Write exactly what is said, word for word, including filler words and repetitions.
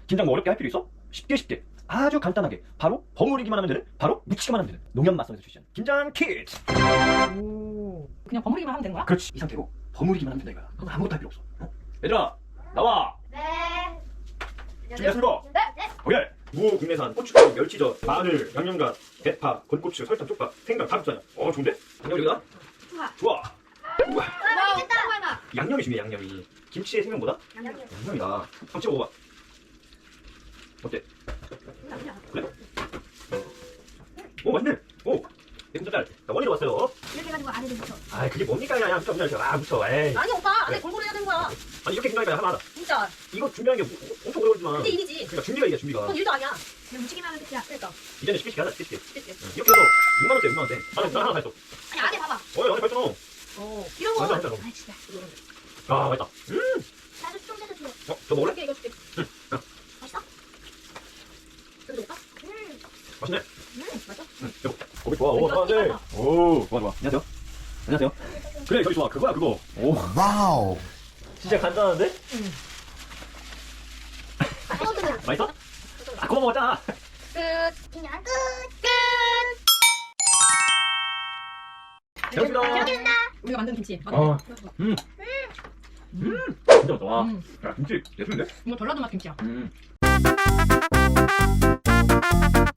김장 뭐 어렵게 할 필요 있어? 쉽게 쉽게 아주 간단하게 바로 버무리기만 하면 되는, 바로 무치기만 하면 되는 농협맛선에서 출시한 김장 키트. 오. 그냥 버무리기만 하면 되는 거야? 그렇지, 이 상태로 버무리기만 하면 된다 이거야. 아무것도 할 필요 없어. 어? 얘들아 나와. 네. 준비됐습니까? 네. 네. 오케이. 무 국내산 고춧가루, 멸치젓, 마늘, 양념간, 대파, 건고추, 설탕, 쪽파, 생강, 다육사냥. 어 좋은데? 양념이다? 좋아. 좋아. 우와. 와, 맛있겠다. 양념이 중요해. 양념이 김치의 생명보다 양념. 양념이다. 한번 찍어 먹어봐. 어때? 그래? 오 맛있네. 오 내 딸. 나 원희로 왔어요. 이렇게 해가지고 안에도 묻혀. 아 그게 뭡니까? 야 묻혀 묻혀 아 묻혀. 에이. 아니 오빠 안에 그래. 골고루 해야 되는 거야. 아니 이렇게 준비하니까 하나 하나. 진짜. 이거 준비하는 게 뭐- 엄청 오래 걸리지만. 근데 일이지. 그러니까 준비가 이게 준비가. 그건 일도 아니야. 그냥 묻히기만 하면 끝이야. 그러니까. 이제는 쉽게 쉽게 하자 쉽게 쉽게. 그치? 응. 이렇게 해서 육만 원대 육만 원대. 안에 나 하나 다 했어. 아니 안에 봐봐. 어 안에 발전. 어. 이런 거. 맞아, 맞아. 아 진짜. 아 맛있다. 음. 나도 좀 떼서 줘. 어, 저 먹을래? 이렇게 이거 줄게. 맛있어? 여기 줄까? 음. 맛있네. 음 맞아. 응, 여보. 고기 좋아. 오, 이거 좋아하네. 이거 오, 좋아, 좋아. 안녕하세요. 안녕하세요. 그래, 저기 좋아. 그거야, 그거. 오, 와우. 진짜 간단한데? 응. 맛있어? 아, 그거 먹었잖아. 끝. 그냥 끝. 끝. 잘 먹습니다. 여기는다. 우리가 만든 김치. 맞아. 어, 음. 음. 진짜 맛있다. 와. 음. 야, 김치 예술인데? 이거 전라도 맛 김치야. 음.